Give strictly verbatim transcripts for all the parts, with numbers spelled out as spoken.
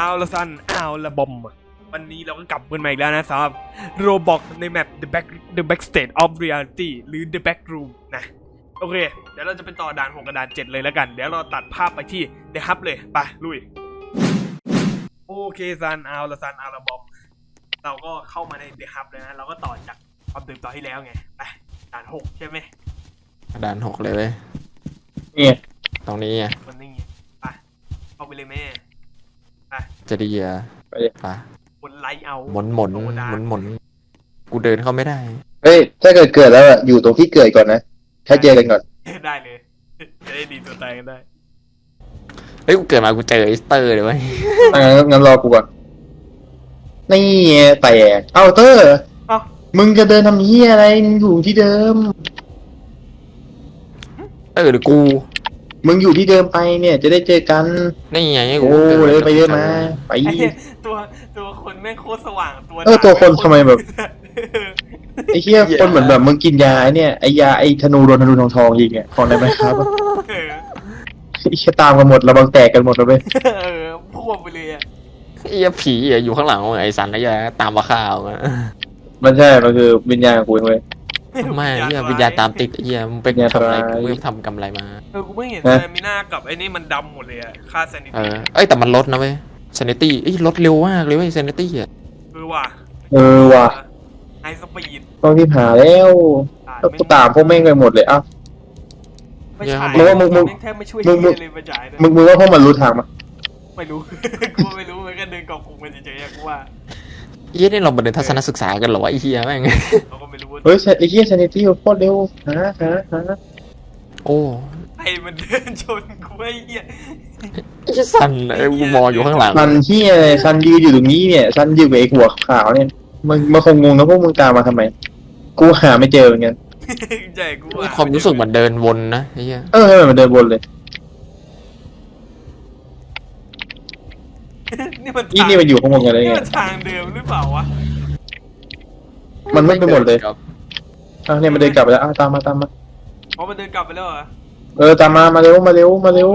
ละซันเอาละบอมวันนี้เราก็กลับกันมาอีกแล้วนะสำหรับโรบอกในแมป The Back The Backstage of Reality หรือ The Back Room นะโอเคเดี๋ยวเราจะไปต่อด่านหกกับด่านเจ็ดเลยแล้วกันเดี๋ยวเราตัดภาพไปที่ The Hub เลยไปลุยโอเคซันเอาละซันเอาละบอมเราก็เข้ามาใน The Hub เลยนะเราก็ต่อจากความตื่นต่อที่แล้วไงไปด่านหกใช่ไหมด่านหกเลยเว้ยเนี่ยตรงนี้ไงมันนี่ไปเข้าไปเลยแม่ไปจะดีอ่ะไปเลยไปบนไลท์เอาหมุนหมุนหมุนหมุนกูเดินเข้าไม่ได้เฮ้ยถ้าเกิดเกิดแล้วอะอยู่ตรงที่เกิดก่อนนะถ้าเจอกันก่อนได้เลยจะได้ดีตัวตายกันได้เฮ้ยกูเกิดมากูเจอไอสเตอร์เลยเว้ยอ่างั้นรอกูก่อนนี่แต่เอ้าเตอร์มึงจะเดินทำเหี้ยอะไรมึงอยู่ที่เดิมเออหรือกูมึงอยู่ที่เดิมไปเนี่ยจะได้เจอกันนี่ไงโอ้เลยไปเดินมาไปตัวตัวคนแม่งโคตรสว่างตัวเออตัวคนทำไมแบบไอ้เหี้ยคนเหมือนแบบมึงกินยาไอ้เนี่ยไอ้ยาไอ้ธนูโดนธนูทองทองยิงอ่ะของได้ไหมครับไอ้เหี้ยตามกันหมดระวังแตกกันหมดแล้วเว้ยเออพ่วงไปเลยอ่ะไอ้ผีอยู่ข้างหลังไอ้สันไอ้ยาตามมาข่าวอ่ะมันใช่มันคือวิญญาณของกูเว้ยไม่เหี้ยวิญญาณตามติดไอ้เหี้ยมึงไปทำอะไรกูไม่ทำกำไรมาเออกูไม่เห็นแต่มีหน้ากับไอ้นี่มันดำหมดเลยอะค่าเซนิตี้เออเอ้ยแต่มันลดนะเว้ยเซนิตี้เอ้ยลดเร็วมากเลยเว้ยเซนิตี้อ่ะเออว่ะเออว่ะไฮสปีดต้องที่หาแล้วต้องตามพวกแม่งไปหมดเลยอ้าวไม่ใช่มึงมึงแทบไม่ช่วยเลยมาจ่ายมึงมึงว่าพวกมันรู้ทางมั้ยไม่รู้กูไม่รู้มันก็เดินกองกลุ่มกันเฉยๆกูว่าเฮียนี่เรามาเดินทัศนศึกษากันเหรอวะไอ้เฮียแม่งเราก็ไม่รู้เฮ้ยไอ้เฮียซานิตี้โคตรเร็วหาหาหาโอ้ไอ้มันเดินชนกูไอ้เฮียไอ้ซันไอ้กูมองอยู่ข้างหลังซันเฮียซันยืนอยู่ตรงนี้เนี่ยซันยืนกับไอ้หัวขาวเนี่ยมันมันคงงงนะพวกมึงตามมาทำไมกูหาไม่เจอเหมือนกันใช่กูว่าความรู้สึกเหมือนเดินวนนะไอ้เฮียเออเหมือนเดินวนเลยนี่มันนี่นี่มันอยู่ข้างบนกันเลยไงทางเดิมหรือเปล่าวะมันไม่ไปหมดเลยอ่ะเนี่ยมันเดินกลับไปแล้วอ่ะตามมาตามมาอ๋อมันเดินกลับไปแล้วเหรอเออตามมามาเร็วมาเร็วมาเร็ว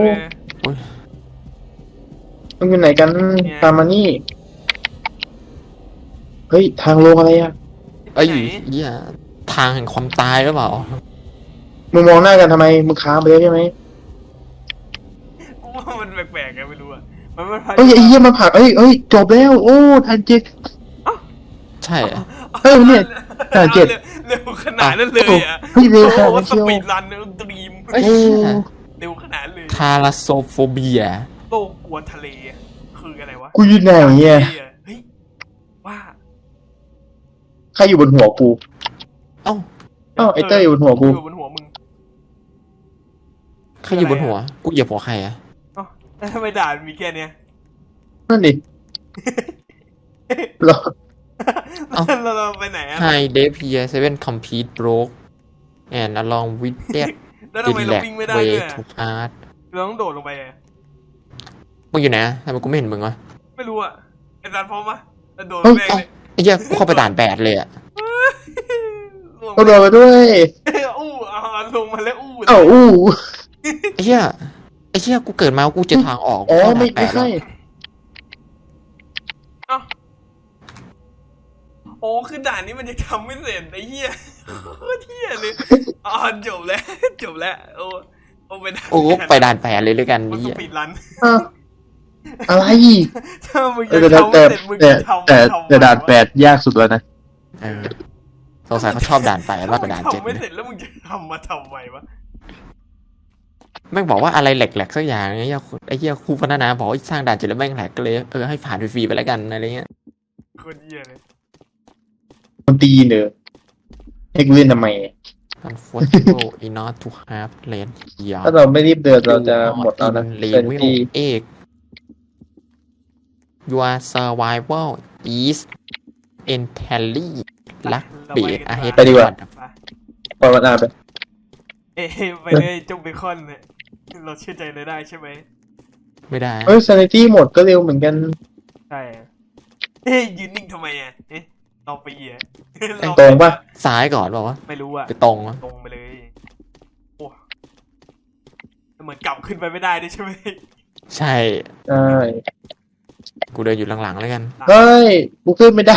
มึงอยู่ไหนกันตามมานี่เฮ้ยทางลงอะไรอ่ะไอ้เหี้ยทางแห่งความตายหรือเปล่ามึงมองหน้ากันทำไมมึงค้างไปแล้วใช่ไหมกูว่ามันแปลกๆไงไม่รู้อ่ะมันมันเฮ้ยไอ้เหี้ยมันผักเอ้ยเอ้ยจบแล้วโอ้ทันเจ็ดใช่เฮ้ยเนี่ยทันเจ็ดเร็วขนาดนั้นเลยอ่ะเฮ้ยเร็วขนาดนั้นเชียวสปีดรันดรีมเร็วขนาดเลยทาราโซโฟเบียโลกกลัวทะเลคืออะไรวะกูอยู่ไหนเนี่ยเฮ้ยว่าใครอยู่บนหัวกูเอ้าเอ้าไอเต้ยอยู่บนหัวกูอยู่บนหัวมึงใครอยู่บนหัวกูเหยียบหัวใครอ่ะอ๋อทำไมด่ามีแค่เนี้ยนั่นดิเราเราเราไปไหนอ่ะ Hi Dave here seven complete broke and along with that แล้วทำไมเราวิ่งไม่ได้ด้วย to art เราต้องโดดลงไปอ่ะมึงอยู่ไหนทำไมกูไม่เห็นมึงวะไม่รู้อ่ะไอ้จานพร้อมปะโดดแม่งเลยไอ้เหี้ยกูเข้าไปด่านแปดเลยอ่ะก็โดนไปด้วยอู้อ่าลงมาแล้วอู้เอ้าอู้ไอ้เหี้ยไอ้เหี้ยกูเกิดมากูเจอทางออกอ๋อไม่ไม่ใช่อ้าวโอ้คือด่านนี้มันจะทำไม่เสร็จไอ้เหี้ยโคตรเหี้ยเลยอ๋อจบแล้วจบแล้วโอ้โอ้ไปด่านโอ้ไปด่านแปดเลยด้วยกันนี่ปิดรันอะไรถ้ามึงจะทำไม่เสร็จมึงจะทำแต่แต่ด่านแปดยากสุดแล้วนะสงสัยเขาชอบด่านแปดมากกว่าด่านเจ็ดทำไม่เสร็จแล้วมึงจะทำมาทำไมวะแม่งบอกว่าอะไรแหลกๆสักอย่างไอ้เหี้ยไอ้เหี้ยครูพัฒนาบอกสร้างด่านเจ็ดแล้วแม่งแหลกก็เลยเออให้ผ่านฟรีๆไปแล้วกันอะไรเงี้ยคนเหี้ยเลยมันตีเนอะให้กูเล่นทำไม Unfortunately enough to have land here ถ้าเราไม่รีบเดินเราจะหมดแล้วนะเป็นที่เอก Your survival is entirely ลักเบียดอาเฮดไปดีกว่าปล่อยมันอาไปเอ้ไปเลยจงเบคอนเนี่ยเราเชื่อใจเลยได้ใช่ไหมไม่ได้เฮ้ย sanity หมดก็เร็วเหมือนกันใช่เอ้ยยืนนิ่งทำไมอ่ะเอ๊ะเราไปเหี้ยตรงปะซ้ายก่อนบอกว่าไม่รู้อ่ะไปตรงตรงไปเลยโอ้เหมือนกลับขึ้นไปไม่ได้ด้วยใช่ไหมใช่ใช่กูเดินอยู่หลังๆแล้วกันเฮ้ยกูขึ้นไม่ได้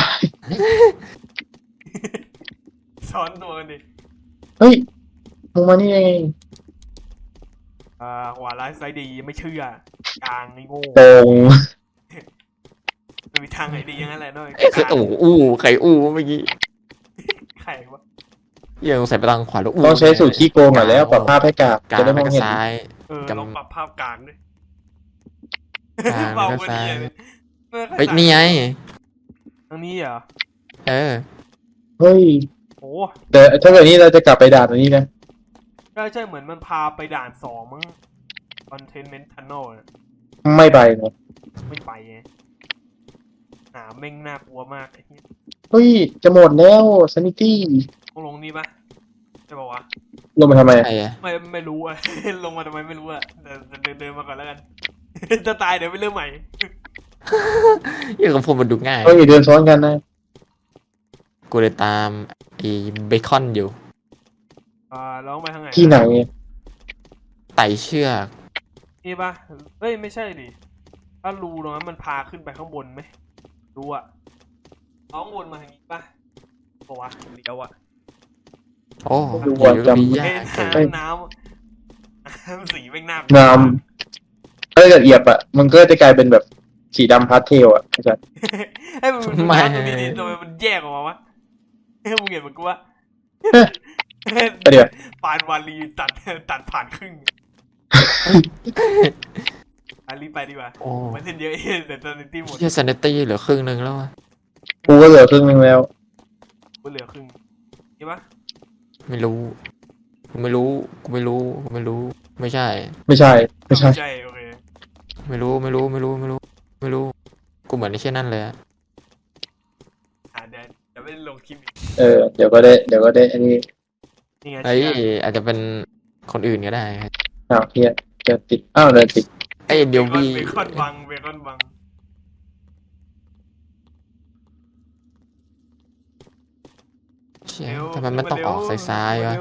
ซ้อนตัวกันดิเฮ้ยมึงมานี่เองอ่าขวาร้ายซ้ายดีไม่เชื่อกลางนี่โง่ตรงไม่มีทางไหนดีอย่างนั้นแหละด้วยเอ้ยคือโอ้โหอู้ใครอู้เมื่อกี้ไข่วะเหี้ยังใส่ไปทางขวาแล้วอู้ต้องใช้สูตรขี้โกงหน่อยแล้วปรับภาพให้กากกลางจะได้มแล้อวงก็เห็นซ้ายเออจำลองปรับภาพกลางด้วยกลางเบาแล้วก็กว่าซ้ายนี้เลยเฮ้ยนี่ไงทางนี้เหรอเออเฮ้ยโอ้แต่ถ้าเกิดนี้เราจะกลับไปด่านอันนี้นะใช่ใช่เหมือนมันพาไปด่านสองมั้ง Containment Tunnel น่ะไม่ไปนะไม่ไปไงหาแม่งน่ากลัวมากไอ้เหี้ยเฮ้ยจะหมดแล้วซันิตี้ต้องลงนี่ปะใช่ป่าวะลงมาทำไมใช่อะไม่ไม่รู้อะ ลงมาทำไมไม่รู้อะเดินเดินเดินมาก่อนแล้วกัน จะตายเดี๋ยวไปเริ่มใหม่เหี้ยังกับผมมันดูง่ายเฮ้ยเดินซ้อนกันนะกูเลยตามไอ้เบคอนอยู่อ่าแล้วไปทางไหนที่ไหนไต่เชือกนี่ปะเฮ้ยไม่ใช่ดิถ้ารูตรงนั้นมันพาขึ้นไปข้างบนไหมรู้อะเอาข้างบนมาทางนี้ปะปะวะเลี้ยวอะโอ้ดูเดี๋ว่ายวจำมีเฮ้ยาย กน้ำน้ำน้ำสีแม่งน่ากลัวน้ำถ้าเกิดเหยียบอ่ะมันก็จะกลายเป็นแบบสีดำพาสเทลอ่ะเข้าใจให้มันดูน้ำตรงนี้ดิทำไมมันแยกออกมาวะให้มึงเห็นมันกูว่าเดี๋ยวปานวาลีตัดตัดผ่านครึ่งอารีบไปดีกว่าโอ้มันเส้นเยอะเองแต่ตอนนี้ตีหมดเชี่ยซันเนตี้เหลือครึ่งหนึงแล้วอะกูก็เหลือครึ่งนึงแล้วกูเหลือครึ่งใช่ปะไม่รู้กูไม่รู้กูไม่รู้กูไม่รู้ ไม่ใช่ไม่ใช่ไม่ใช่ใช่โอเคไม่รู้ไม่รู้ไม่รู้ไม่รู้ ไม่รู้ กูเหมือนไอ้เช่นนั่นเลยอะอ่าเดี๋ยวเดี๋ยวไม่ได้ลงคลิปอีกเออเดี๋ยวก็ได้เดี๋ยวก็ได้อันนี้นี่ไงเอ้ยเชี่ยอาจจะเป็นคนอื่นก็ได้อ้าวเฮียเดินติดอ้าวเดินติดไอ้ยเดี๋ยวเบคอนวีเบคอนบังเบคอนบังเชี่ยเร็วทำไมมันต้องออกซ้ายๆวะเร็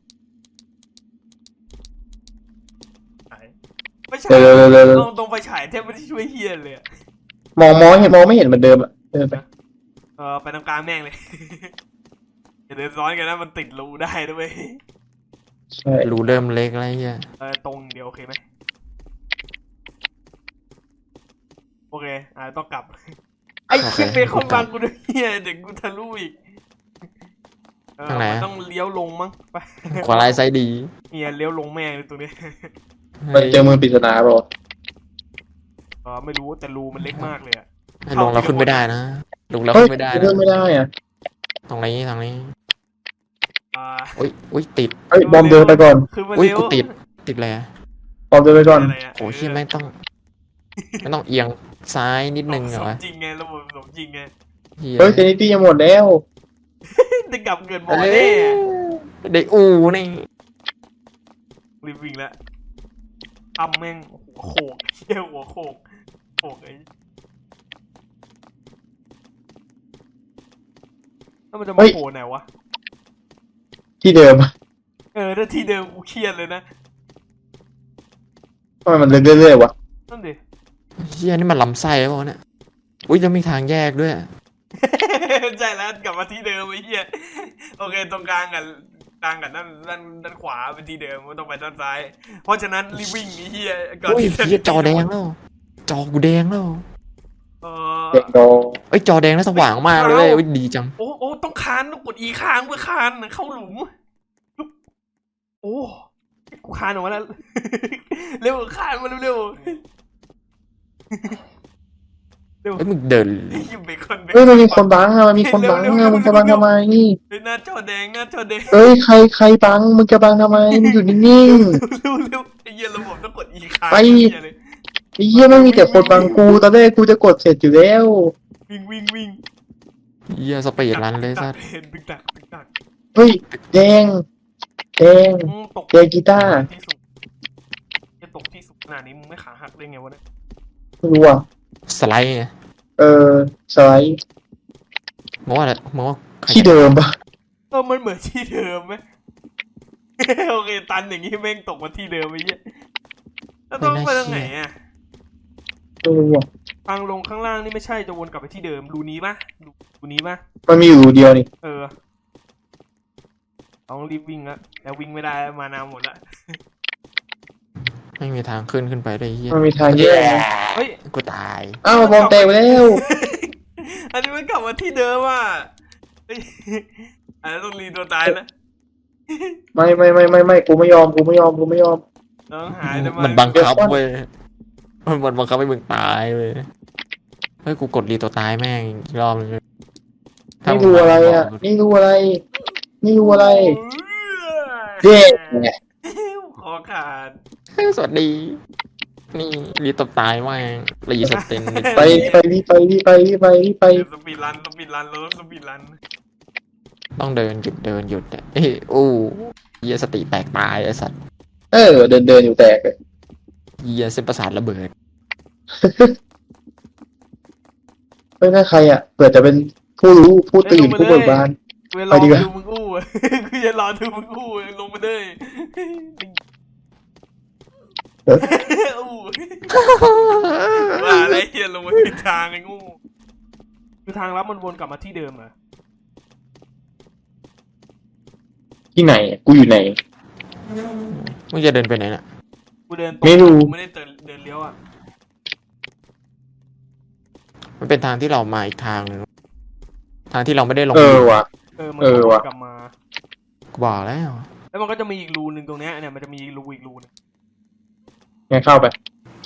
ไม่ใช่เร็วเร็วเร็วเร็วตรงไปฉายแทบไม่ได้ช่วยเฮียเลยอะมองมองเห็นมองไม่เห็นเหมือนเดิมอ่ะเดินไปเออไปตรงกลางแม่งเลย อย่าเดินซ้อนกันนะมันติดรูได้ด้วยใช่รูเริ่มเล็กแล้วไอ้เหี้ยเออตรงเดียวโอเคไหมโอเคอ่าต้องกลับ ไอ้เชี่ยเบคอนบังกูด้วยเฮียเด็กกูทะลุอีกเออมันต้องเลี้ยวลงมั้งไปขวาลายซ้ายดีเฮียเลี้ยวลงแม่งเลยตรงนี้มันเจอมือปริศนาเปล่าเออไม่รู้แต่รูมันเล็กมากเลยอะให้ลงแล้วขึ้นไม่ได้นะลงแล้วเฮ้ยขึ้นไม่ได้เดินะนไม่ได้อ่ะตรงนี้ตรงนี้อ่าอุ้ยอุ้ยติดเฮ้ยบอมเดินไปก่อนคือมันอุ้ยเลี้ยวกูติดติดเลยอะบอมเดินไปก่อนอะไระโอ้เชี่ยไม่งต้องไม่ต้องเอียงซ้ายนิดนึงเหรอสมวะจริงไงระบบสมจริงไงเหี้ยเฮ้ยเซนิตี้ยังหมดแล้วได้กลับเงินหมอเอ้แน่ยได้อูนี่รีบวิ่งแล้วทำแม่งหัวโขกเชี่ยหัวโขกโขกไอ้แล้วมันจะมาโผล่ไหนวะที่เดิมเออถ้าที่เดิมกูเครียดเลยนะทำไมมันเรื่อยๆวะนั่นดิเฮียนี่มันลำไส้ป่ะเนี่ยอุ้ยจะมีทางแยกด้วยใช่แล้วกลับมาที่เดิมไอ้เหี้ยโอเคตรงกลางกับกลางกับด้านด้านด้านขวาเป็นที่เดิมไม่ต้องไปด้านซ้าย เพราะฉะนั้นรีบวิ่งไอ้เหี้ยก่อนอุ้ยที่จะเฮียจอแดงแล้ว จอกูแดงแล้วเอเด็กอโดเอ้ยจอแดงแล้วสว่างมากเลยเว้ยอุ้ยดีจังโอ้โอ้ต้องคานต้องกดอีค้างเพื่อคานเข้าหลุมโอ้กูคานออกมาแล้ว เร็วคานมาเร็วๆเร็วเอ้ยมึงเดินไอ้ยิมเบคอนเบคเฮ้ยมันมีคนบังอะมันมีคนบังอะมึงจะบังทำไมเฮ้ยหน้าจอแดงหน้าจอแดงเฮ้ยใครใครบังมึงจะบังทำไมมึงอยู่นิ่งเร็วเร็วไอ้เหี้ยระบบต้องกดอีค้างไปไอ้เหี้ยเลยๆไอ้เหี้ยไม่มีแต่คนบังกูตอนแรกกูจะกดเสร็จอยู่แล้ววิ่งวิ่งวิ่งเฮียสปีดรันเลยสัสเห็นตึกตักตึกตักเฮ้ยแดงแดงอืมตกแดงกีตาร์ที่สุดจะตกที่สุดขนาดนี้มึงไม่ขาหักได้ไงวะเนี่ยไม่รู้อ่ะสไลด์ไงเออสไลด์มองว่าอะไรมองว่าใครที่เดิมปะเออมันเหมือนที่เดิมไหม โอเคตันอย่างงี้แม่งตกมาที่เดิมไอ้เหี้ยแล้วต้องไปทางไหนอ่ะไม่รู้อ่ะทางลงข้างล่างนี่ไม่ใช่จะวนกลับไปที่เดิมรูนี้ปะรูนี้ปะมันมีอยู่รูเดียวนี่เออต้องรีบวิ่งละแล้ววิ่งไม่ได้มานาวหมดละไม่มีทางขึ้นขึ้นไปได้เฮียมันมีทางแยกนะเฮ้ยกูตายอ้าวบอมแตกไปแล้วอันนี้มันกลับมาที่เดิมอ่ะเฮ้ยอันนี้ต้องรีตัวตายนะไม่ไม่ไม่ไม่ไม่กูไม่ยอมกูไม่ยอมกูไม่ยอมต้องหายเลยมันบังคับเว้ยมันมันบังคับให้มึงตายเว้ยเฮ้ยกูกดรีตัวตายแม่งอีกรอบนึงเลยนี่รูอะไรอ่ะ นี่รูอะไร นี่รูอะไรเจ๊ไงคอขาดเฮ้ยสวัสดี นี่รีตัวตายแม่งรีสเตนไปไปรีบไปรีบไปรีบไปรีบไปสปีดรันสปีดรันเราต้องสปีดรันต้องเดินหยุดเดินหยุดอะเอ้ยอู้เฮียสติแตกตายไอ้สัตว์เออ เดินเดินอยู่แตกเลยเฮียเส้นประสาทระเบิดเฮ้ยนั่นใครอ่ะเผื่อจะเป็นผู้รู้ผู้ตื่นผู้เบิกบานกูจะรอไปดีกว่าดูมึงอู้กูจะรอดูมึงอู้ลงมาเลยอู้ว่าอะไรเฮียลงมาผิดทางไอ้งูคือทางลับมันวนกลับมาที่เดิมเหรอที่ไหนอะกูอยู่ไหนมึงจะเดินไปไหนน่ะกูเดินตรงไม่รู้กูไม่ได้เดินเดินเลี้ยวอ่ะมันเป็นทางที่เรามาอีกทางนึงทางที่เราไม่ได้ลงเออว่ะเออมันเออวนว่ะกลับมากูบอกแล้วแล้วมันก็จะมีอีกรูหนึ่งตรงเนี้ยเนี่ยมันจะมีรูอีกรูนึงงั้นเข้าไป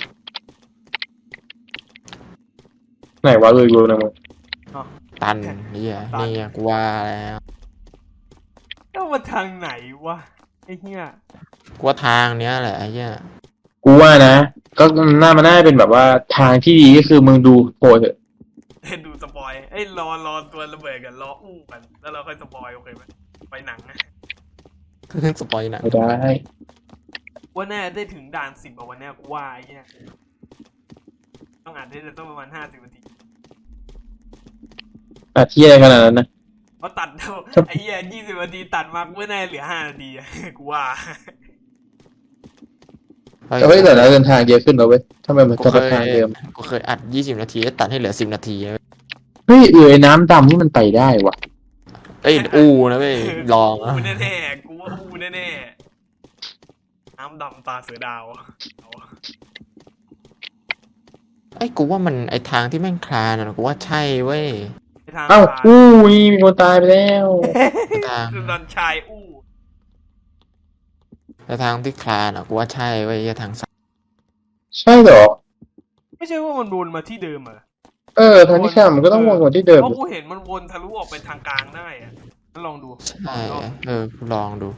ไหนวะเลยรูนะมึงตันนี่อ่ะนี่อะกูว่าแล้วแล้วมันทางไหนวะไอ้เหี้ยกูว่าทางเนี้ยแหละไอ้เหี้ยกูว่านะ ก็น่ามันน่าจะเป็นแบบว่าทางที่ดีก็คือมึงดูโพยเถอะดูสปอยไอ้ยรอรอตัวระเบิดกันรออู้กันแล้วเราค่อยสปอยโอเคไหมไปหนังนะสปอยหนะไม่ได้ว่าแน่ได้ถึงด่านสิบอะวันเนี้ยกูว่าไอ้เหี้ยต้องอ่านได้ต้องประมาณห้าสิบนาทีอ่ะที่อะไรขนาดนั้นนะเพราะตัดครับไอ้เหี้ยยี่สิบนาทีตัดมากูว่าแน่เหลือห้านาทีอะ กูว่าแต่เฮ้ยแต่ละเดินทางเยอะขึ้นแล้วเว้ยทำไมมันกูจะเคทางยเดิมกูเคยอัดยี่สิบนาทีแล้วตัดให้เหลือสิบนาทีเฮ้ยเออไอ้น้ำดำนี่มันไปได้วะเอ้ยอู้นะเว้ยลองนะกูแน่ๆกูว่าอู้แน่ๆน้ำดำตาเสือดาวเอาไอ้ยกูว่ามันไอ้ทางที่แม่งคลานอะกูว่าใช่เว้ยไปทางเอ้าซ้ายอู้ยมีคนตายไปแล้วทางคือตอนชายอู้แต่ทางที่คลานอะกูว่าใช่เว้ยไอ้ทางซ้ายใช่เหรอไม่ใช่ว่ามันวนมาที่เดิมเหรอเออทางที่ข้ามมันก็ต้องวนกว่าที่เดิมเพราะกูเห็นมันวนทะลุออกไปทางกลางได้อะงั้นลองดูใช่เออกูลองดู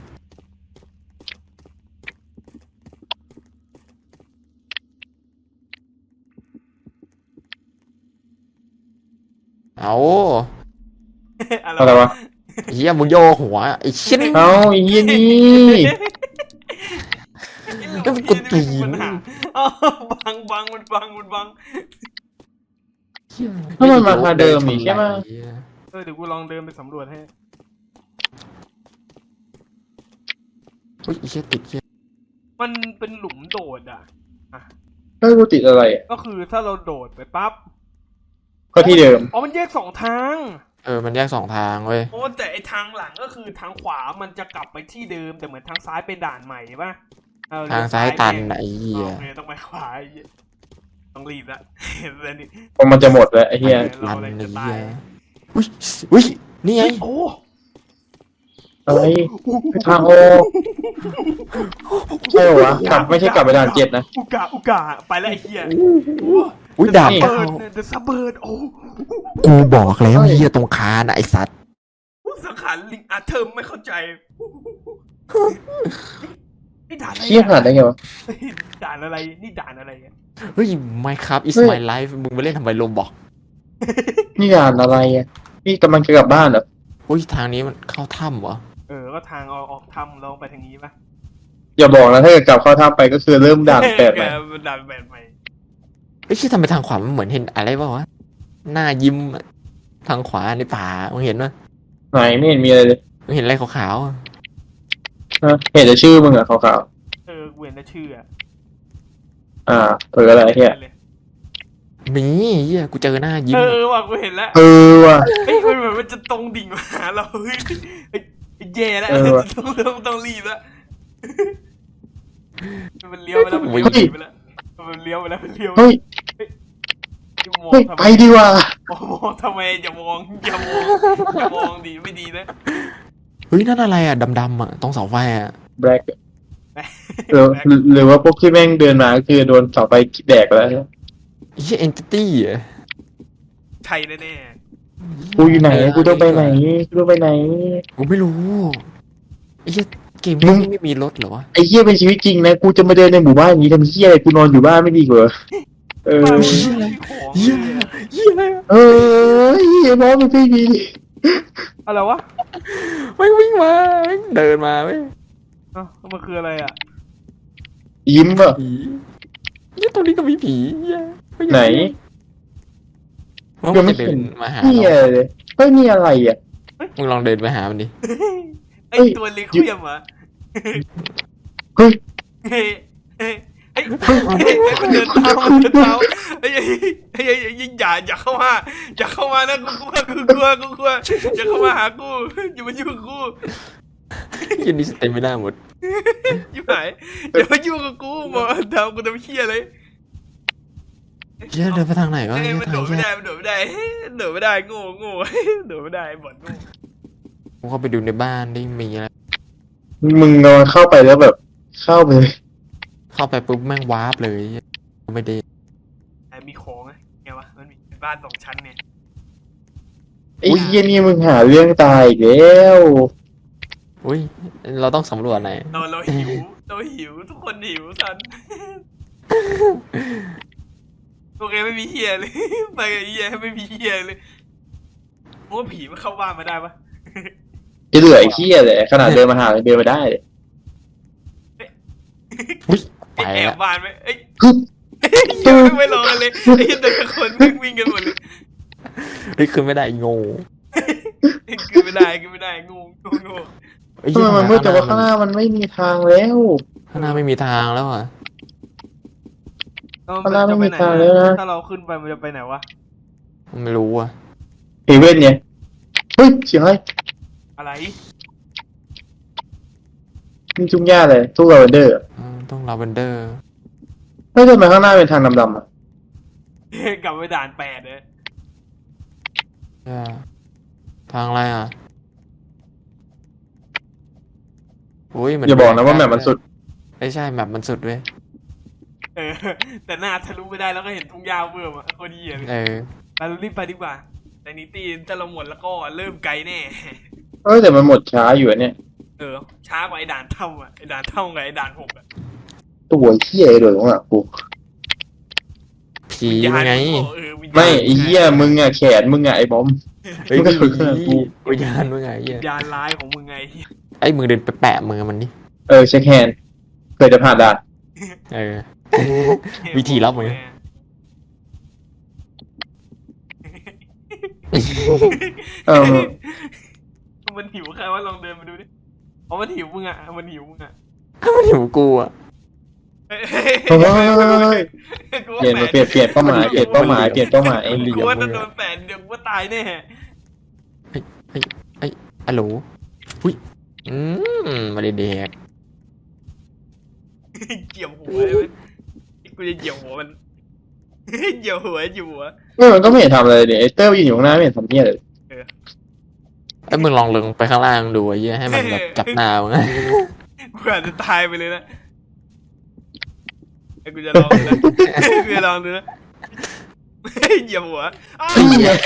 เอาอะไรวะเฮียมึงโยกหัวไอ้ชิ้นเอ้าไอ้เหี้ยนี่ก็มันกดตีนปัญหาอ้าวบังบังมันบังมันบังถ้ามันมาทางเดิมอีกใช่ไหมเออเดี๋ยวกูลองเดินไปสำรวจให้อุ้ยไอ้เชี่ยติดเชี่ยมันเป็นหลุมโดดอ่ะเฮ้ยกูติดอะไรอ่ะก็คือถ้าเราโดดไปปั๊บก็ที่เดิมอ๋อมันแยกสองทางเออมันแยกสองทางเว้ยโอ้แต่ไอทางหลังก็คือทางขวามันจะกลับไปที่เดิมแต่เหมือนทางซ้ายเป็นด่านใหม่ป่ะเออทางซ้ายตันแม่งไอ้เหี้ยโอเคต้องไปขวาไอ้เหี้ยต้องรีบละ แล้วนี่เพราะมันจะหมดแล้วไอ้เหี้ยตันไอ้เหี้ยอุ้ยอุ้ยนี่ไงโอ้อะไรทางโอใช่เหรอวะกลับไม่ใช่กลับไปด่านเจ็ดนะอุกาอุกาไปแล้วไอ้เหี้ยอุ้ยดาบนี่เบิร์ดเดอะซับเบิร์ดโอ้กูบอกแล้วเหี้ยตรงคานอะไอ้สัตว์สังขารลิงอาเทอร์ไม่เข้าใจนี่ด่านอะไรเชี่ยขนาดได้ไงวะด่านอะไรนี่ด่านอะไรอะเฮ้ย Minecraft is เฮ้ย my life มึงไปเล่นทำไมโลบอกนี่ด่านอะไรอ่ะนี่กำลังจะกลับบ้านเหรออุ้ยทางนี้มันเข้าถ้ำเหรอเออก็ทางออกออกถ้ำเราไปทางนี้ปะอย่าบอกนะถ้าเกิดกลับเข้าท่าไปก็คือเริ่มด่านแปดใหม่เออด่านแปดใหม่เฮ้ยที่ทำไมทางขวามันเหมือนเห็นอะไรวะวะหน้ายิ้มอะทางขวาในป่ามึงเห็นปะไหนไม่เห็นมีอะไรเลยมึงเห็นอะไรขาวๆอะฮะเห็นแต่ชื่อมึงอะขาวเออเวียนแต่ชื่ออะๆอ่าเผื่ออะไรเฮียเมีเหี้ยกูเจอหน้ายิ้มเออะอว่ะกูเห็นแล้วเออว่ะเฮ้ยมันเหมือนมันจะตรงดิ่งมาหาเราเฮ้ยเฮ้ยแย่แล้วเออว่ะต้องต้องต้องรีบแล้วมันเลี้ยวไปแล้วมันเลี้ยวไปแล้วมันเลี้ยวไปแล้วมันเลี้ยวไปเฮ้ยมองเฮ้ยทำไปไมดีกว่ามองทำไมอย่ามองอย่ามองอย่ามองดีไม่ดีนะเฮ้ยนั่นอะไรอ่ะดำๆอ่ะตรงเสาไฟอ่ะแบล็กหรือหรือว่าพวกที่แม่งเดินมาก็คือโดนเสาไฟแดกไปแล้วไอ้เหี้ยเอนติตี้อ่ะใช่แน่กูอยู่ไหนกูต้องไปไหนกูต้องไปไหนกูไม่รู้ไอ้เหี้ยเกมมึนี้งไม่มีรถเหรอวะไอ้เหี้ยเป็นชีวิตจริงนะกูจะมาเดินในหมู่บ้านอย่างนี้ทำเหี้ยอะไรกูนอนอยู่บ้านไม่ดีกว่าเอๆอบ้านมันไม่มีของเหี้ยเลยอะเหี้ยอะไรอะเออเหี้ยน้องมันไม่ดีอะไรวะแม่งวิ่งมาแม่งเดินมาเว้ยเอ้ามันคืออะไรอ่ะยิ้มอ่ะผีเหี้ยตรงนี้ก็มีผีเหี้ยไหนว่ามันจะเดินมาหาเหี้ยเราเลยเฮ้ยนี่อะไรอ่ะมึงลองเดินไปหามันดิไอเฮ้ยตัวเล็กเขี้ยมเหรอ่ะเฮ้ยเฮ้ยเฮ้ยเฮ้ยเฮ้ยมันเดินเท้ามันเดินเท้าเฮ้ยเฮ้ยเฮ้ยเฮ้ยอย่าอย่าเข้ามาอย่าเข้ามานะกูกลัวกูกลัวกูกลัวอย่าเข้ามาหากูอย่ามายุ่งกับกูยันนี้สเต็มไม่ได้หมดอยู่ไหนอย่ามายุ่งกับกูบอกทำกูทำเขี้ยเลยเหี้ยเดินไปทางไหนวะเฮ้ยเหี้ยมันทาโดงดไม่เหี้ยได้มันโดดไม่ได้โดดไม่ได้โง่โง่โดดไม่ได้บอดโง่กูเข้าไปดูในบ้านได้มีอะไรมึงนอนเข้าไปแล้วแบบ เข้าไปเลยเข้าไปปุ๊บแม่งวาร์ปเลยไม่ได้ไอ้มีของไงไงวะมันมีบ้านสองชั้นเนี่ยไอ้เหี้ยนี่มึงหาเรื่องตายอีกแล้วอุ้ยเราต้องสำรวจไหนเราเราหิวเราหิวทุกคนหิวสันโอเคไม่มีเฮียเลย ไปกับเฮียไม่มีเฮียเลยมึงว่าผีมันเข้าบ้านมาได้ปะจะเหลือไอ้เหี้ยเลยขนาดเดินมาหาเดินมาได้เลยอุ้ยไปแอแล้บวบ้านไหมเอ้ยฮึบยังไม่ไม่รอกันเลยไอ้แต่ละคนวิ่งวิ่งกันหมดเลยเฮ้ยขึ้นไม่ได้โง่กินไม่ได้กินไม่ได้งูงูงูเอ้ยทำไมมันมืดแต่ว่าข้างหน้ามันไม่มีทางแล้วข้างหน้าไม่มีทางแล้วอ่ะข้างหน้าไม่มีทางแล้วนะถ้าเราขึ้นไปมันจะไปไหนวะไม่รู้อ่ะเฮเว่นเนี่ยเฮ้ยเสียงอะไรอะไรนี่จุ้งย่าเลยทุกลาเวนเดอร์อืมต้องลาเวนเดอร์เฮ้ยทำไมข้างหน้าเป็นทางดำๆอ่ะกลับไปด่านแปดเลยทางอะไรอ่ะอุ้ยเหมือนอย่าบอกนะว่าแมปมันสุดไม่ใช่แมปมันสุดเว้ยเออแต่หน้าทะลุไม่ได้แล้วก็เห็นทุ่งหญ้าเบิ่มอ่ะโคตรเหี้ยเลยเออเรารีบไปดีกว่าแต่นิตี้ถ้าเราหมดแล้วก็เริ่มไกลแน่เอ้ยแต่มันหมดช้าอยู่อะเนี่ยเออช้ากว่าไอ้ด่านเท่าอ่ะไอ้ด่านเท่ากับไอ้ด่านหกอ่ะตัวเหี้ยไอ้โดดของอ่ะกูผีเป็นไงเออวิญญาณไม่ไอ้เหี้ยมึงอ่ะแขนมึงอ่ะไอ้บอมเฮ้ยไม่ไม่เคยมีกูวิญญาณมึงไงเหี้ยวิญญาณร้ายของมึงไงเหี้ยไอ้มือเดินไปแปะมือมันดิเออเช็คแฮนด์เคยจะผ่านด่านเออ วิธีรับมือเออมันหิวใครว่าลองเดินมาดูดิอ๋อมันหิวมึงอ่ะมันหิวมึงอ่ะมันอยู่กูอ่ะเฮ้ยเฮ้ยเปลี่ยนเปลี่ยนเปลี่ยนเป้าหมายเปลี่ยนเป้าหมายเปลี่ยนเป้าหมายกูว่าจะโดนแฝนเดี๋ยวกูว่าตายแน่อะโหลอุ้ยอืมมาเด็กเกี่ยวหัวเลยไหมกูจะเกี่ยวหัวมันเกี่ยวหัวอยู่หัวเออมันก็ไม่เห็นทำอะไรเลยเนี่ยไอ้เต้ยยืนอยู่ข้างหน้าไม่เห็นทำเหี้ยเลยไอ้ยมึงลองลงไปข้างล่างดูไอ้เหี้ยให้มันแบบจับหน้ามึงกูอาจจะตายไปเลยนะไอ้กูจะลองดูนะกูจะลองดูนะเหยียบหัวอ้าวเหี้ย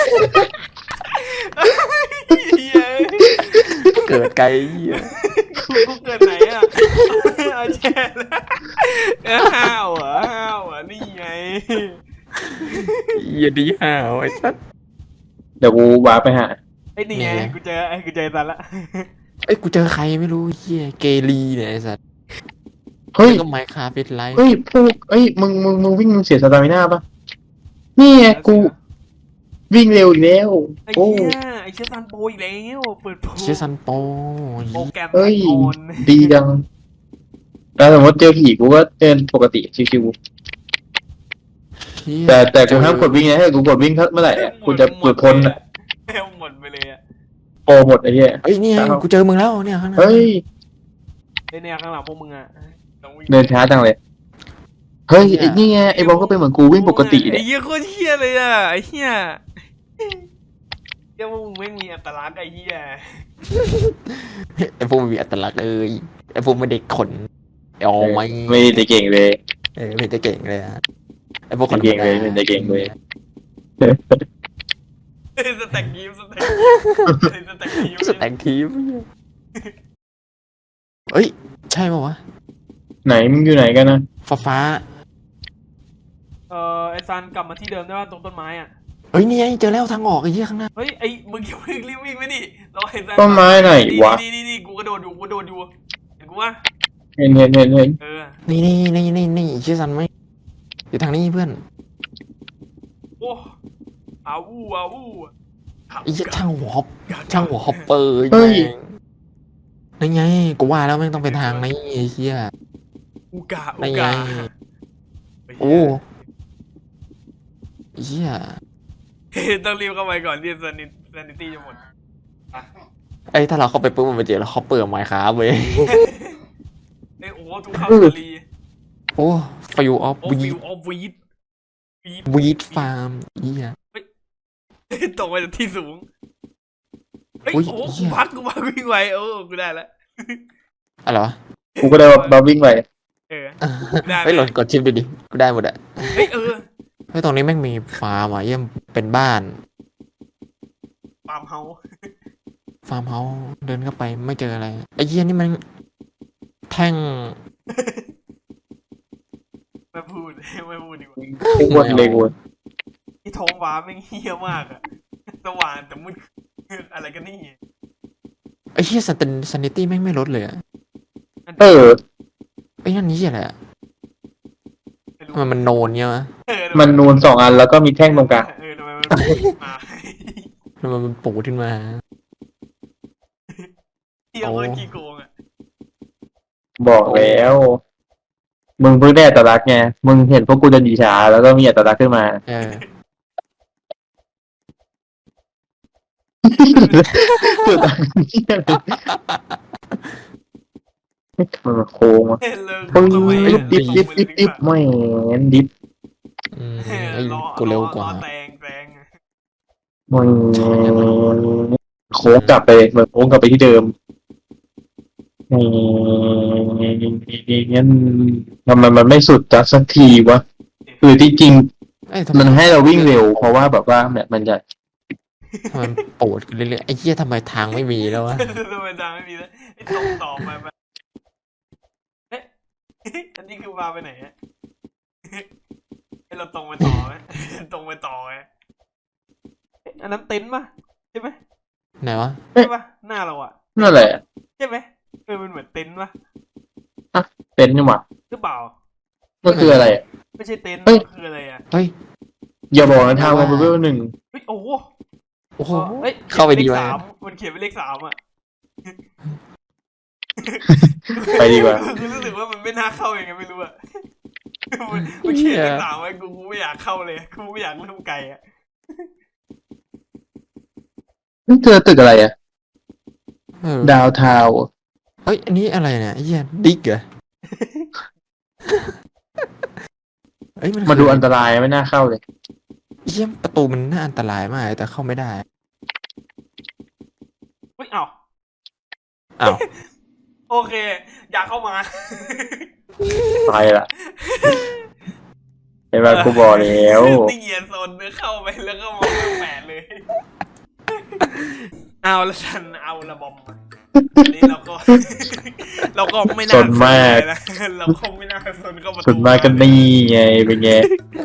เกิดไกลเหี้ยกูกูเกิดไหนอ่ะเอาแช่แล้วห้าวเหรอห้าวเหรอนี่ไงเหี้ยดีห่าวไอ้สัสเดี๋ยวกูว้าร์ปไปหาไอ้นี่ไงกูเจอไอ้กูเจอซันละเอ้ยกูเจอใครไม่รู้เหี้ยเกลีเนี่ยไอ้สัสเฮ้ยแล้วก็ไมค์คาฟิตไลท์เฮ้ยพวกเอ้ยมึงมึงมึงวิ่งมึงเสียสตามิน่าปะนี่ไงกูวิ่งเร็วอีกแล้วไอ้โอ้เหี้ยไอ้เชี่ยซันโปรอีกแล้วเปิดโปรเชยซันโปโปรแกรมเอ้ยออนดีจังแล้วสมมติเจอผีกูก็เดินปกติชิวหี้ยแต่แต่กูห้ามกดวิ่งนะถ้ากูกดวิ่งเมื่อไหร่อะกูจะหลุดพ้นอะหมดไปเลยอะโปรหมดไอ้เหี้ยเฮ้ยนี่ไงกูเจอมึงแล้วเนี่ยข้างหน้าเฮ้ยไอ้เนี่ยข้างหลังพวกมึงอะต้องวิ่งเดินช้าจังเลย เฮ้ยไอ้นี่ไงไอ้บอมก็เป็นเหมือนกูวิ่งปกติไอ้เนี่ยเหี้ยโคตรเหี้ยเลยอะไอ้เหี้ยเหี้ยพวกมึงไม่มีอัตลักษณ์ไอ้เหี้ยไอ้พวกมันมีอัตลักษณ์เลยไอ้พวกมันเด็กขนเอาไหมไม่ได้เก่งเลยเออไม่ได้เก่งเลยอะไอ้พวกคนเก่งเลยไม่ได้เก่งเลยสแต็กยิ้มสแต็กยิ้มสแต็กยิ้มสแต็กทีมเฮ้ยใช่ป่าวะไหนมึงอยู่ไหนกันนะฟ้าฟ้าเออไอซันกลับมาที่เดิมได้ป่ะตรงต้นไม้อ่ะเฮ้ยนี่ไงเจอแล้วทางออกไอ้เหี้ยข้างหน้าเฮ้ยไอมึงอย่าเพิ่งรีบวิ่งไปดิเราไอซันต้นไม้ไหนวะนี่นี่นี่กูกระโดดอยู่กูกระโดดอยู่เห็นกูว่าเห็นเห็นเห็นเห็นเออนี่นี่นี่นี่นี่เชื่อสันไหมอยู่ทางนี้เพื่อนโอ้อาวูอาวูไอ้เหี้ยช่างหัวฮอปช่างหัวฮอปเปอร์เฮ้ยแม่งนั่นไงกูว่าแล้วแม่งต้องเป็นทางนี้ไอ้เหี้ยอูกาอูนั่นไงกาโอ้ไอ้เหี้ยต้องรีบเข้าไปก่อนที่ซันิซันิตี้จะหมดอ่ะไอ้ยถ้าเราเข้าไปปุ๊บมันไปเจอแล้วฮอปเปอร์ไมค์ครับเว้ยเอ้ยโอ้ทุกข้าวสาลีโอ้ฟิวออฟโอ้วีฟิวออฟวีดวีดวีดฟาร์มเหี้ยตกไปจากที่สูงเฮ้ยอุ๊ยโอ้เหี้กูยพักกูพักวิ่งไวโอ้กูได้แล้วอะไรวะกูก็ได้ว่าบัฟวิ่งไปเออ ได้ไหมเฮ้ยหล่นกดชิปดูดิกูได้หมดอะเฮ้ยเออเฮ้ยตรงนี้แม่งมีฟาร์มอ่ะเยี่ยมเป็นบ้านฟาร์มเฮาส์ฟาร์มเฮาส์เดินเข้าไปไม่เจออะไรไอ้เหี้ยนี่มันแท่งไม่พูดไม่พูดดีกว่ากูวนเลยกูที่ท้องฟ้าแม่งเฮี้ยมากอะสว่างแต่มืดอะไรกันนี่ไอ้เหี้ยสันติสันนิตี้แม่งไม่ลดเลยอะเออไอ้นั่นนี่อะไรอะไม่รู้ทำไมมันโนนเงี้ยวะเออมันนูนสองอันแล้วก็มีแท่งตรงกลางเออทำไมมันพูดมาทำไมมันปูดขึ้นมาเฮี้ยโคตรขี้โกงอะบอกแล้ว มึงเพิ่งได้อัตลักษณ์ไงมึงเห็นพวกกูจะดีช้าแล้วก็มีอัตลักษณ์ขึ้นมาเออสุดอันนี้อะไรมันโค้งอ่ะเฮ้ยเลิกปึ้งทำไมดิบดิบดิบดิบดิบไม่นดิบอืมเออไอ้รอกูเร็วกว่ารอแตงแตงไม่โค้งกลับไปเหมือนโค้งกลับไปที่เดิมงั้นทำไมมันไม่สุดจักสักทีวะคือที่จริงเอ้ยทำไมมันให้เราวิ่งเร็ว เพราะว่าแบบว่าแบบมันจะทำไมมันปูดขึ้นเรื่อยๆไอ้เหี้ยทำไมทางไม่มีแล้ววะทำไมทางไม่มีแล้วไอ้ตรงต่อไปไปเอ๊ะอันนี้คือมาไปไหนฮะไอ้เราตรงไปต่อไหมตรงไปต่อไหมเอ๊ะอันนั้นเต็นท์ปะใช่ไหมไหนวะใช่ปะหน้าเราอะนั่นแหละใช่ไหมเออมันเหมือนเต็นท์ปะเป็นนี่หว่าหรือเปล่ามันคืออะไรอะไม่ใช่เต็นท์เฮ้ยมันคืออะไรอะเฮ้ยอย่าบอกนะทางมาเบอร์หนึ่งเฮ้ยโอ้โหโอ้โหเฮ้ยเข้าไปดีเลขวะสามมันเขียนเป็นเลขสามอะไปดีกว่าคือรู้สึกว่ามันไม่น่าเข้ายังไงไม่รู้อะมันมันเขียนเลขสามไว้กูกูไม่อยากเข้าเลยกูไม่อยากเริ่มไกลอะนี่เจอตึกอะไรอ่ะเออดาวทาวน์เฮ้ยอันนี้อะไรเนี่ยไอ้เหี้ยดิกเหรอเอ้ยมันมาดูอันตรายไม่น่าเข้าเลยไอ้เหี้ยประตูมันน่าอันตรายมากแต่เข้าไม่ได้เฮ้ยเอ้าอ้าวโอเค อยากเข้ามาไปละเห็นไหมกูบอกแล้วนี่เหยียดโซนเนื้อเข้าไปแล้วก็มองแปดเลย เอาละฉันเอาละบอมมาอันนี้เราก็ เราก็ไม่น่าสนมากเลยนะเราคงไม่น่าสนเข้าประตูสุดมากก็นี่ไงเป็นไง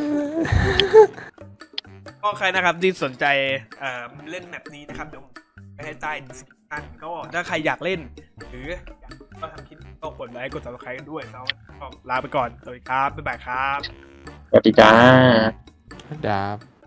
ก็ใครนะครับที่สนใจเอ่อเล่นแมปนี้นะครับเดี๋ยวไปให้ใต้ดีสคริปชั่นก็ถ้าใครอยากเล่น หรืออยากก็ทำคลิปก็กดไลค์กด ซับสไครบ์กันด้วยแล้วก็ลาไปก่อนสวัสดีครับบ๊ายบายครับสวัสดีจ้าดาบ